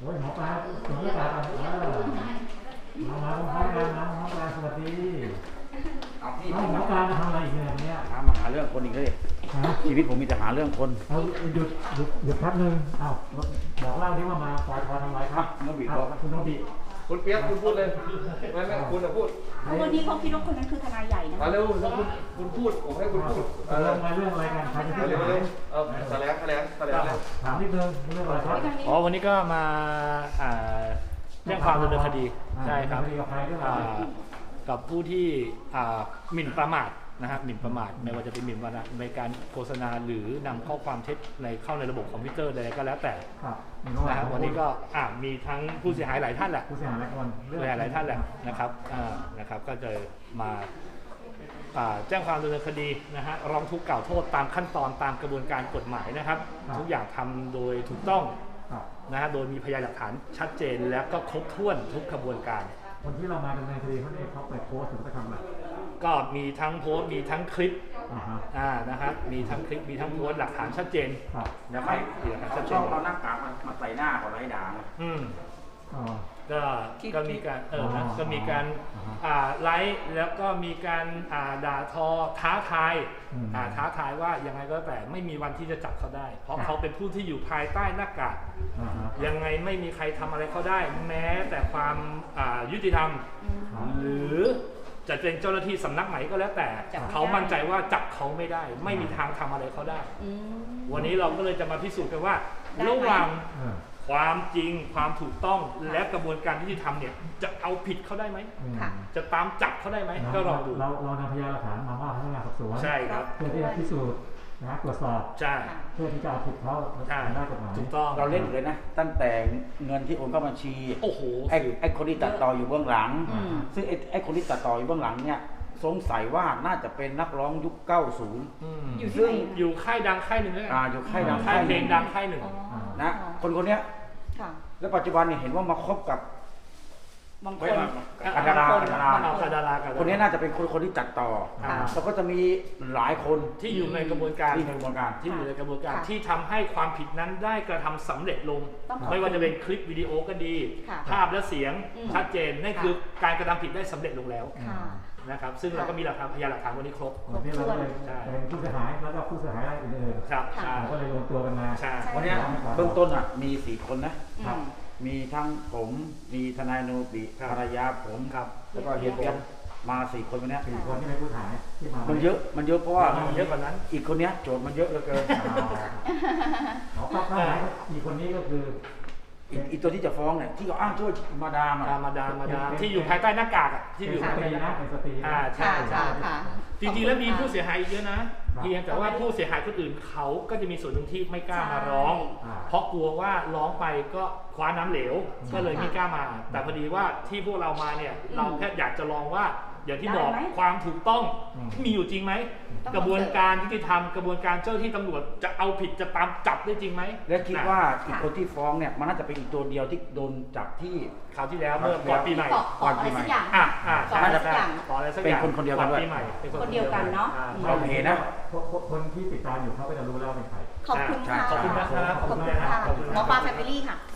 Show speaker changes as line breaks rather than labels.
โอ้ยหมอปลาสวัสดีครับมาพร้อมกันสวัสดีหมอปลามาทำอะไรอีกเนี่ย
มาหาเรื่องคนอีกเลยชีวิตผมมีแต่หาเรื่องคน
เอาหยุดแป๊บนึงเอาบอกเล่าที่ว่ามาปล่อยทอทำไรครับ
น้องบีบอก
คุณน้องบี
คุณเปี๊ยกคุณพูดเลยไม่คุณจะพูด
วันนี้เขาคิดว่าคนนั้นคือทนายใหญ่นะ
มาเร็วคุณพูดผมให้คุณพูด
เรื่องอะไรกันใครจะพูด
เร็วแถลง
ถามนิดนึงเรื่องอะไรครับ
อ๋อวันนี้ก็มาแจ้งความดำเนินคดีใช่ครับกับผู้ที่หมิ่นประมาทนะครับหมิ่นประมาทไม่ว่าจะเป็นหมิ่นประมาทในการโฆษณาหรือนำข้อความเท็จเข้าในระบบคอมพิวเตอร์ใดก็แล้วแต่นะครับวันนี้ก็มีทั้งผู้เสียหายหลายท่านแหละ
ผู้เสียหายหลายคน
หลายท่านแหละนะครับก็จะมาแจ้งความดำเนินคดีนะฮะร้องทุกข์กล่าวโทษตามขั้นตอนตามกระบวนการกฎหมายนะครับทุกอย่างทำโดยถูกต้องนะฮะโดยมีพยานหลักฐานชัดเจนและก็ครบถ้วนทุกกระบวนการ
คนที่เรามาดำเนินคดีเขาเปิดโพสต์หรือเขาทำอะไร
ก็มีทั้งโพสต์มีทั้งคลิปนะครับมีทั้งคลิปมีทั้งโพสต์หลักฐานชัดเจน
นะครับเขาชอบเอาหน้ากากมาใส่หน้าของไร้ด่าง
ก็มีการก็มีการไลฟ์แล้วก็มีการด่าทอท้าทายว่ายังไงก็แต่ไม่มีวันที่จะจับเขาได้เพราะเขาเป็นผู้ที่อยู่ภายใต้หน้ากากยังไงไม่มีใครทำอะไรเขาได้แม้แต่ความยุติธรรมหรือจะเป็นเจ้าหน้าที่สำนักไหนก็แล้วแต่เขามั่นใจว่าจับเขาไม่ได้ไม่มีทางทำอะไรเขาได้วันนี้เราก็เลยจะมาพิสูจน์กันว่าระหว่างความจริงความถูกต้องและกระบวนการยุติธรรมเนี่ยจะเอาผิดเขาได้ไหมจะตามจับเขาได้ไหมก็ลองดู
เรานำพยานหลักฐานมาว่าพนักงานสอบสวน
ใช่ครับ
เพื่อที่จะพิสูจน์นะตรวจสอบ
ใช่
เพื่อที่จะเอาผิดเขาได้กฎหมาย
ถูกต้อง
เราเล่นเลยนะตั้งแต่เงินที่โอนเข้าบัญชี
โอ้โห
ไอ้คนที่ตัดต่ออยู่เบื้องหลังซึ่งไอ้คนที่ตัดต่ออยู่เบื้องหลังเนี่ยสงสัยว่าน่าจะเป็นนักร้องยุค 90
ซึ่งอยู่ค่ายดังค่ายหนึ่ง
อยู่ค่ายดัง
ค่ายเพลงดังค่ายหนึ่ง
นะคนเนี้ยแล้วปัจจุบันเนี่ยเห็นว่ามาคบกับบางคนดาราคนนี้น่าจะเป็นคนที่จัดต่อแล้วก็จะมีหลายคน
ที่อยู่ในกระบวนการที่ทำให้ความผิดนั้นได้กระทำสำเร็จลงไม่ว่าจะเป็นคลิปวิดีโอก็ดีภาพและเสียงชัดเจนนั่นคือการกระทำผิดได้สำเร็จลงแล้วนะครับซึ่งเราก็มีพยานหลักฐานวันนี้ครบ
วันนี้เราเลยเป็นผู้เสียหายแล้วก็ผู้เสียหายรายอื่น
ครับ
ก็เลยรวมตัวกันมา
วันนี้เบื้องต้นมี4 คนนะมีทั้งผมมีทนายโนบิภรรยาผมแล้วก็เฮียเปี๊ยกมา4 คนวันนี้
4 คนที่เป็นผู้ถ่ายที่มา
มันเยอะเพราะว่า
เยอะกว่านั้น
อีกคนนี้โจทย์มันเยอะเหลือเกิน
อีกคนนี้ก็คือ
อีตัวที่จะฟ้องเนี่ยที่เขาอ้างช่วยมาดาม
ที่อยู่ภายใต้หน้ากากที่อยู่
ภายใต้หน้ากาก
ใช่จริงๆแล้วมีผู้เสียหายเยอะนะเพียงแต่ว่าผู้เสียหายคนอื่นเขาก็จะมีส่วนหนึ่งที่ไม่กล้ามาร้องเพราะกลัวว่าร้องไปก็คว้าน้ำเหลวก็เลยไม่กล้ามาแต่พอดีว่าที่พวกเรามาเนี่ยเราแค่อยากจะลองว่าอย่างที่บอกความถูกต้องมีอยู่จริงไหมกระบวนการยุติธรรมกระบวนการเจ้าที่ตำรวจจะเอาผิดจะตามจับได้จริงไหม
และคิดว่าอีกคนที่ฟ้องเนี่ยมันน่าจะเป็นอีกตัวเดียวที่โดนจับที่
คราวที่แล้วเมื่อก่อนปีใหม่
ก่อนปีใหม่
น่าจะ
เป็นคนเดียวกันด้วย
คนเดียวกันเนาะ
เราเห็นนะ
คนที่ติดตามอยู่เขาก็จะรู้แล้วเป็นใคร
ขอบคุณค่ะ
ขอบคุณนะครับ
หมอปลาแฟมิลี่ค่ะ